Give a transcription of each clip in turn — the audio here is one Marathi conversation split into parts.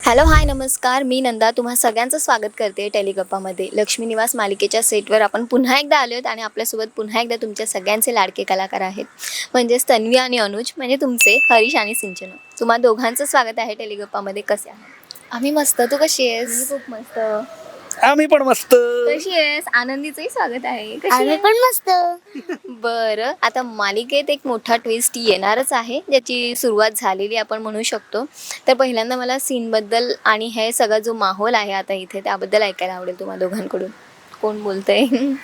हॅलो हाय नमस्कार, मी नंदा तुम्हा सगळ्यांचं स्वागत करते टेलिगप्पामध्ये. लक्ष्मी निवास मालिकेच्या सेटवर आपण पुन्हा एकदा आलो आहोत आणि आपल्यासोबत पुन्हा एकदा तुमच्या सगळ्यांचे लाडके कलाकार आहेत, म्हणजेच तन्वी आणि अनुज, म्हणजे तुमचे हरीश आणि सिंचन. तुम्हा दोघांचं स्वागत आहे टेलिगप्पामध्ये. कसे आहे? आम्ही मस्त. तू कशी आहेस? खूप मस्त. आम्ही पण मस्त. कशी आहेस? आनंदीचंही स्वागत आहे. आम्ही पण मस्त. बरं, आता मालिकेत एक मोठा ट्विस्ट येणारच आहे, ज्याची सुरुवात झालेली आपण म्हणू शकतो. तर पहिल्यांदा मला सीनबद्दल आणि हे सगळा जो माहोल आहे आता इथे त्याबद्दल ऐकायला आवडेल तुम्हा दोघांकडून. कोण बोलतंय?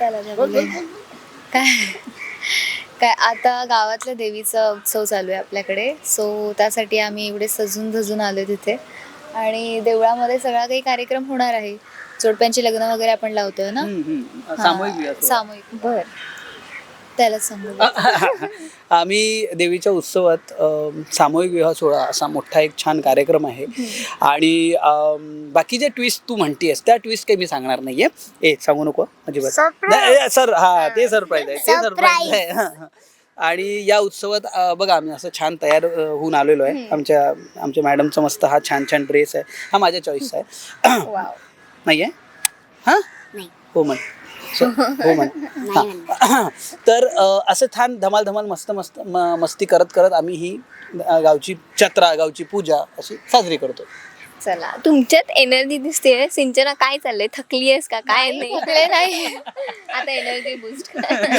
काय काय आता गावातल्या देवीचा उत्सव चालू आहे आपल्याकडे. सो त्यासाठी आम्ही एवढे सजून धजून आलो तिथे आणि देवळामध्ये सगळा काही कार्यक्रम होणार आहे. जोडप्यांची लग्न वगैरे आपण लावतोय ना. सामूहिक विवाह. सामूहिक. बर. त्यालाच सांगू. आम्ही देवीच्या उत्सवात सामूहिक विवाह सोहळा असा मोठा एक छान कार्यक्रम आहे. आणि बाकी जे ट्विस्ट तू म्हणतेस त्या ट्विस्ट काही मी सांगणार नाहीये. सांगू नको अजिबात. सर हा ते सरप्राईज आहे, ते सरप्राईज आहे. आणि या उत्सवात बघा आम्ही असं छान तयार होऊन आलेलो आहे. आमच्या मॅडमचा मस्त हा छान छान ड्रेस आहे, हा माझ्या चॉईसचा आहे. नाही आहे हां हो म्हण हो म्हण. तर असं छान धमाल धमाल मस्त मस्त मस्ती करत करत आम्ही ही गावची जत्रा, गावची पूजा अशी साजरी करतो. चला, तुमच्यात एनर्जी दिसते. सिंचना काय चाललंय? थकली आहेस का? काय नाही थकले नाही. आता एनर्जी बूस्ट.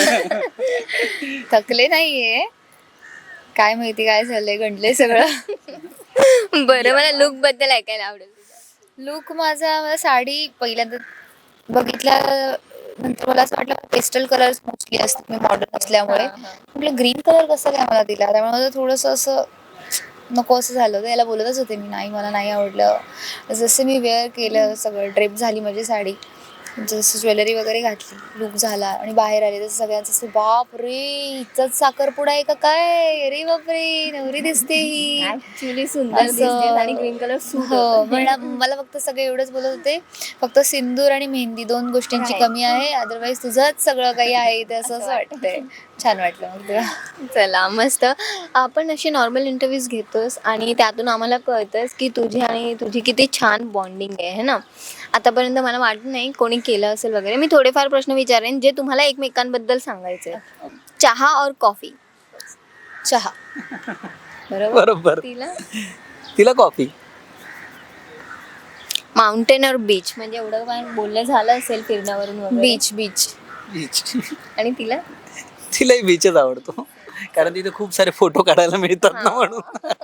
थकले नाहीये. काय माहिती काय झालंय, गंडले सगळं. बरं, मला लुक बद्दल ऐकायला आवडेल. लुक मला साडी पहिल्यांदा बघितल्या नंतर मला असं वाटलं पेस्टल कलर मोस्टली असतात, मी मॉडर्न असल्यामुळे. म्हटलं ग्रीन कलर कसं काय मला दिला, त्यामुळे मला थोडंसं असं नको असं झालं. तर याला बोलतच होते मी, नाही मला नाही आवडलं. जसं मी वेअर केलं, सगळं ड्रेप झाली माझी साडी, जसं ज्वेलरी वगैरे घातली, लुक झाला आणि बाहेर आले तसं सगळ्यांचं असं बाप रे हिचाच साखरपुडा आहे का काय, अरे बापरे नवरी दिसते ही. ऍक्च्युली सुंदर दिसतेस आणि ग्रीन कलर हो, मला फक्त सगळे एवढंच बोलत होते, फक्त सिंदूर आणि मेहंदी दोन गोष्टींची कमी आहे, अदरवाईज तुझंच सगळं काही आहे ते असं वाटतंय. छान वाटलं मग तेव्हा. चला मस्त. आपण असे नॉर्मल इंटरव्ह्यूज घेतोस आणि त्यातून आम्हाला कळतंच की तुझी आणि तुझी किती छान बॉन्डिंग आहे ना. आतापर्यंत मला वाटत नाही कोणी केलं असेल वगैरे. मी थोडेफार प्रश्न विचारेन जे तुम्हाला एकमेकांबद्दल सांगायचे. चहा और कॉफी? चहा. बरोबर. तिला कॉफी. माउंटेन और बीच? म्हणजे एवढं काय बोलणं झालं असेल फिरण्यावरून वगैरे. Beach beach beach. आणि तिला? तिलाही बीचच आवडतो, कारण तिथे खूप सारे फोटो काढायला मिळतात ना म्हणून.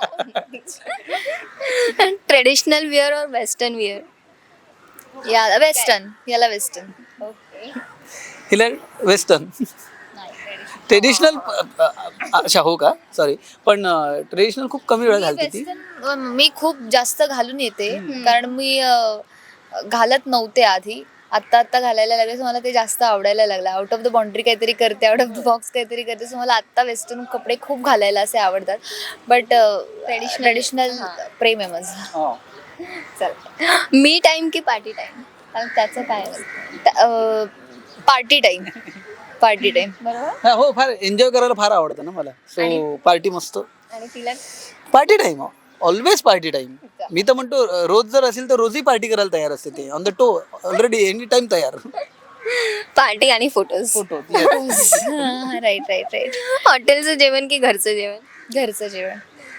ट्रेडिशनल विअर और वेस्टर्न विअर? याला वेस्टर्न. ओके. तिला वेस्टर्न. ट्रेडिशनल. अच्छा हो का, सॉरी, पण ट्रेडिशनल खूप कमी वेळा घालते ती. मी खूप जास्त घालून येते, कारण मी घालत नव्हते आधी. आत्ता घालायला लागले, सो मला ते जास्त आवडायला लागलं. आउट ऑफ द बाउंड्री काहीतरी करते, आउट ऑफ द बॉक्स काहीतरी करते. सो मला आत्ता वेस्टर्न कपडे खूप घालायला असे आवडतात. बट ट्रेडिशनल प्रेम आहे माझं. चल, मी टाइम की पार्टी टाइम? त्याचं काय? Party time. बरोबर. हो, फार एन्जॉय करायला फार आवडतं ना मला. सो पार्टी मस्त. आणि तिला? Party time, always party time. मी तर म्हणतो रोज जर असेल तर रोजही पार्टी करायला तयार असते. ते on the toe already any time तयार. पार्टी आणि फोटोज. राईट. हॉटेलचं जेवण की घरचं जेवण? घरचं जेवण.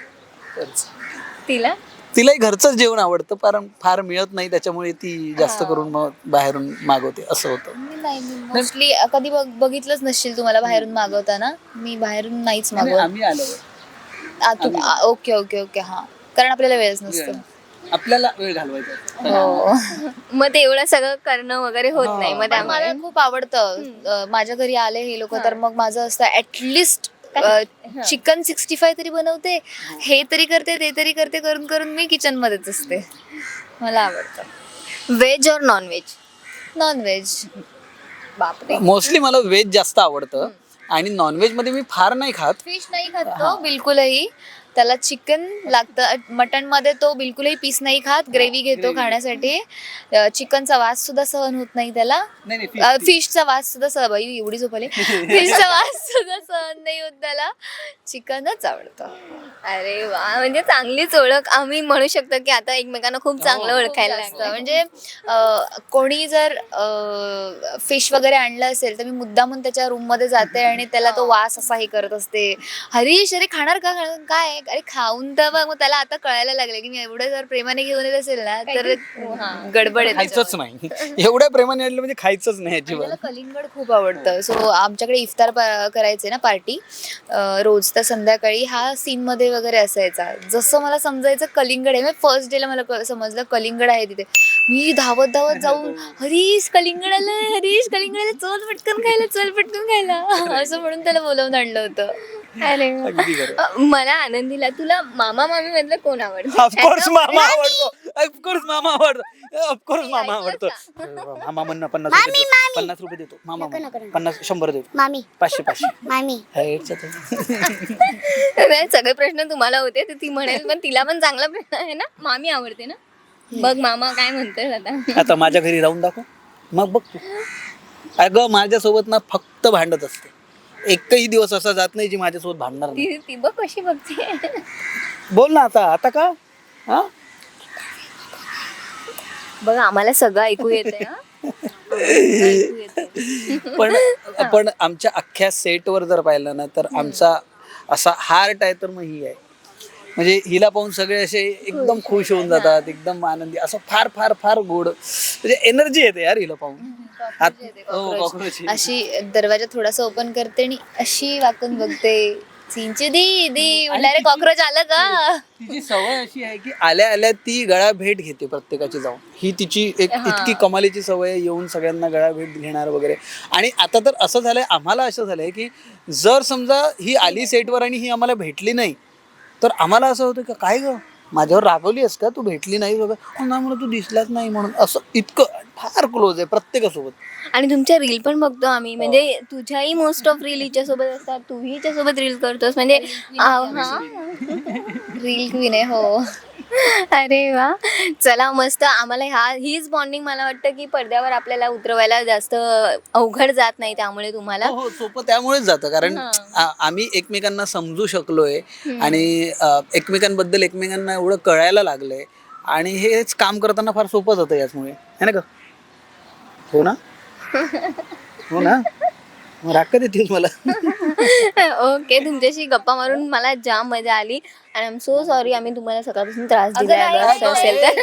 तिला? तिलाही घरचंच जेवण आवडतं, कारण फार मिळत नाही त्याच्यामुळे ती जास्त करून मग बाहेरून मागवते, असं होतं. नाही, मोस्टली कधी बघितलंच नसशील तुम्हाला बाहेरून मागवताना. मी बाहेरून नाहीच मागवत. आम्ही आलो. ओके. हा, कारण आपल्याला वेळच नसतो. आपल्याला वेळ घालवायचा. हो. मग ते एवढं सगळं करणं वगैरे होत नाही. मग मला खूप आवडतं. माझ्या घरी आले हे लोक तर मग माझं असतं ऍटलिस्ट चिकन 65 तरी बनवते, हे तरी करते, ते तरी करते, करून मी किचन मध्येच असते. मला आवडतं. व्हेज और नॉन व्हेज? नॉनव्हेज. बापरे. मोस्टली मला व्हेज जास्त आवडतं आणि नॉनव्हेज मध्ये मी फार नाही खात. फिश नाही खात बिलकुलही. त्याला चिकन लागतं. मटन मध्ये तो बिलकुलही पीस नाही खात, ग्रेव्ही घेतो खाण्यासाठी. चिकनचा वास सुद्धा सहन होत नाही त्याला. फिशचा वास सुद्धा बाई एवढी झोपली फिशचा वास सुद्धा सहन नाही होत त्याला. चिकनच आवडतं. अरे वा, म्हणजे चांगलीच ओळख. आम्ही म्हणू शकतो की आता एकमेकांना खूप चांगलं ओळखायला जास्त. लागतं. म्हणजे कोणी जर फिश वगैरे आणलं असेल तर मी मुद्दामून त्याच्या रूम मध्ये जाते आणि त्याला तो वास असा हे करत असते. हरीश अरे खाणार का काय, अरे खाऊन तर बघ. मग त्याला आता कळायला लागले की मी एवढं जर प्रेमाने घेऊन येत असेल ना तर गडबड आहे खायचंच नाही. एवढ्या प्रेमाने आणलं म्हणजे खायचंच नाही आणि अजिबात. त्याला कलिंगड खूप आवडतं. सो आमच्याकडे इफ्तार करायचे ना पार्टी रोज, तर संध्याकाळी हा सीन मध्ये वगैरे असायचा. जसं मला समजायचं कलिंगड आहे, फर्स्ट डेला मला समजलं कलिंगड आहे तिथे, मी धावत धावत जाऊन हरीश कलिंगड आलं, हरीश कलिंगड आलं, चल पटकन खायला, चल पटकन खायला असं म्हणून त्याला बोलावून आणलं होतं. अरे वा. अगदी खरं. मला आनंदीला तुला मामा मामी मधलं कोण आवडतं? ऑफकोर्स मामा आवडतो. ऑफकोर्स मामा आवडतो. ऑफकोर्स मामा आवडतो. मामा म्हणणं 50 रुपये देतो. मामा 100 देतो. मामी 500 मामी नाही, सगळे प्रश्न तुम्हाला होते तर ती म्हणेल, पण तिला पण चांगला प्रश्न आहे ना. मामी आवडते ना. बघ मामा काय म्हणतोय आता. आता माझ्या घरी राहून दाखव, मग बघ तू. अगं माझ्यासोबत ना फक्त भांडत असते. एकही दिवस असा जात नाही जी माझ्यासोबत भांडणार नाही. ती बघ कशी बघते. बोल ना आता का? हा बघ आम्हाला सगळं ऐकू येते. पण आमच्या अख्ख्या सेटवर जर पाहिलं ना तर आमचा असा हार्ट आहे तर मग ही आहे. म्हणजे हिला पाहून सगळे असे एकदम खुश होऊन जातात, एकदम आनंदी, असं फार फार फार गोड म्हणजे एनर्जी येते यार हिला पाहून. कॉकरोच अशी दरवाजा थोडासा ओपन करते आणि अशी वाकून बघते. चिंचू दी म्हटलं अरे कॉक्रोच आलं का. तिची सवय अशी आहे की आल्या आल्या ती गळा भेट घेते प्रत्येकाची जाऊन. ही तिची एक इतकी कमालीची सवय आहे, येऊन सगळ्यांना गळा भेट घेणार वगैरे. आणि आता तर असं झालंय, आम्हाला असं झालंय की जर समजा ही आली सेटवर आणि ही आम्हाला भेटली नाही तर आम्हाला असं होतं की काय ग माझ्यावर रागवली आहेस का, तू भेटली नाही वगैरे. ना म्हणून तू दिसलाच नाही म्हणून. असं इतकं फार क्लोज आहे प्रत्येकासोबत. आणि तुमच्या रील पण बघतो आम्ही, म्हणजे तुझ्याही मोस्ट ऑफ रील हिच्या सोबत असतात, तूही हिच्या सोबत रील करतोस, म्हणजे रील क्वीन आहे. हो. अरे वा, चला मस्त. आम्हाला हीच बॉन्डिंग मला वाटतं की पडद्यावर आपल्याला उतरवायला जास्त अवघड जात नाही, त्यामुळे तुम्हाला हो सोपं त्यामुळेच जातं कारण आम्ही एकमेकांना समजू शकलोय आणि एकमेकांबद्दल एकमेकांना एवढं कळायला लागलंय आणि हेच काम करताना फार सोपं जातं याचमुळे, है ना ग? हो ना, हो ना. मग राग का देतेस मला? ओके, तुमच्याशी गप्पा मारून मला जाम मजा आली आणि आय एम सो सॉरी आम्ही तुम्हाला सकाळपासून त्रास दिला असं असेल तर.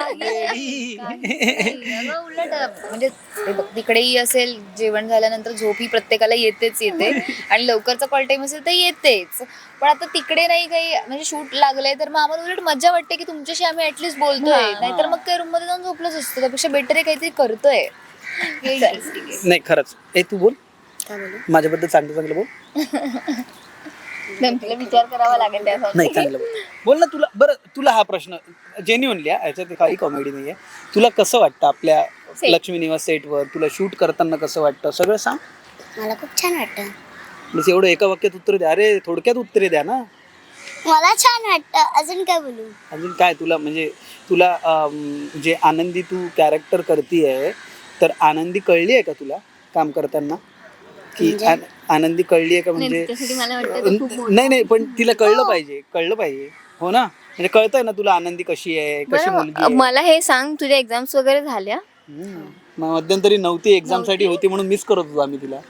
उलट म्हणजे तिकडेही असेल, जेवण झाल्यानंतर झोप ही प्रत्येकाला येते आणि लवकरचा कॉल टाइम असेल तर येतेच. पण आता तिकडे नाही काही म्हणजे शूट लागलंय तर मग आम्हाला उलट मजा वाटते की तुमच्याशी आम्ही ऍटलीस्ट बोलतोय, नाहीतर मग काही रूम मध्ये जाऊन झोपलंच असतं. त्यापेक्षा बेटर आहे काहीतरी करतोय. नाही खरंच. तू बोल, माझ्याबद्दल चांगलं चांगलं बोल. तुला विचार करावा लागेल त्यासाठी. नाही चांगलं बोल ना. तुला हा प्रश्न जेन्युअनली, याच्यात काही कॉमेडी नाहीये. तुला कसं वाटतं आपल्या लक्ष्मी निवास सेटवर? तुला शूट करताना कसं वाटतं सगळं सांग. मला खूप छान वाटतं. बस एवढं एका वाक्यात उत्तर द्या. अरे थोडक्यात उत्तरे द्या ना. मला छान वाटतं. अजून काय बोलू? अजून काय तुला म्हणजे तुला जे आनंदी तू कॅरेक्टर करतीये तर आनंदी कळली आहे का तुला काम करताना की आनंदी कळली आहे का? म्हणजे त्यासाठी मला वाटतं खूप नाही पण तिला कळलं पाहिजे हो ना. म्हणजे कळतंय ना तुला आनंदी कशी आहे, कशी मुलगी आहे. मला हे सांग, तुझ्या एक्झाम्स वगैरे झाल्या? मध्यंतरी नव्हती, एक्झाम साठी होती म्हणून मिस करत होतो आम्ही तिला.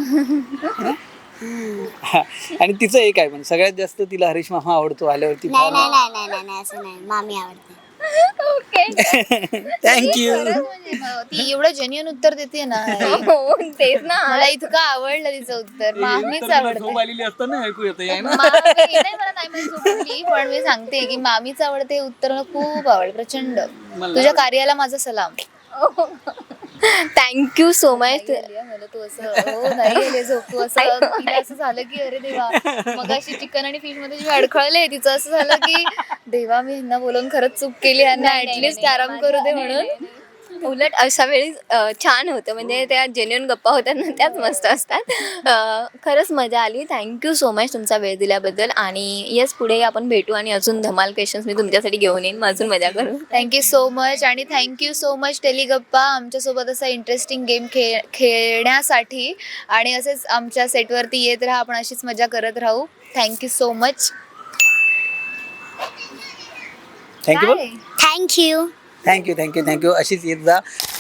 आणि तिचं एक आहे, पण सगळ्यात जास्त तिला हरीश मामा आवडतो. आल्यावरती नाही नाही नाही नाही नाही नाही असं नाही, मामी आवडते. थँक्यू. ती एवढं जेन्युइन उत्तर देते ना. तेच ना, मला इतकं आवडलं तिचं उत्तर. मामीच आवडते. आलेली असताना ऐकू येतं ना. नाही मला नाही म्हणजे झोपली, पण मी सांगते की मामीच आवडते हे उत्तर मला खूप आवडलं प्रचंड. तुझ्या कार्याला माझा सलाम. Thank you so much. मला तू असं हो नाही गेले झोपू असं तिला असं झालं की अरे देवा, मगाशी चिकन आणि फिश मध्ये जे अडखळले तिचं असं झालं की देवा मी ह्यांना बोलून खरंच चूक केली, ह्यांना ऍटलीस्ट आराम करू दे म्हणून. उलट अशा वेळी छान होतं, म्हणजे त्या जेन्युइन गप्पा होतात ना त्याच मस्त असतात. खरंच मजा आली. थँक्यू सो मच तुमचा वेळ दिल्याबद्दल. आणि येस, पुढे आपण भेटू आणि अजून धमाल क्वेश्चन्स मी तुमच्यासाठी घेऊन येईन, मग अजून मजा करू. थँक्यू सो मच आणि थँक्यू सो मच टेलिगप्पा आमच्यासोबत असा इंटरेस्टिंग गेम खेळण्यासाठी. आणि असेच आमच्या सेटवरती येत राहा, आपण अशीच मजा करत राहू. Thank you so much. Thank you thank you thank you अशीच येत जा.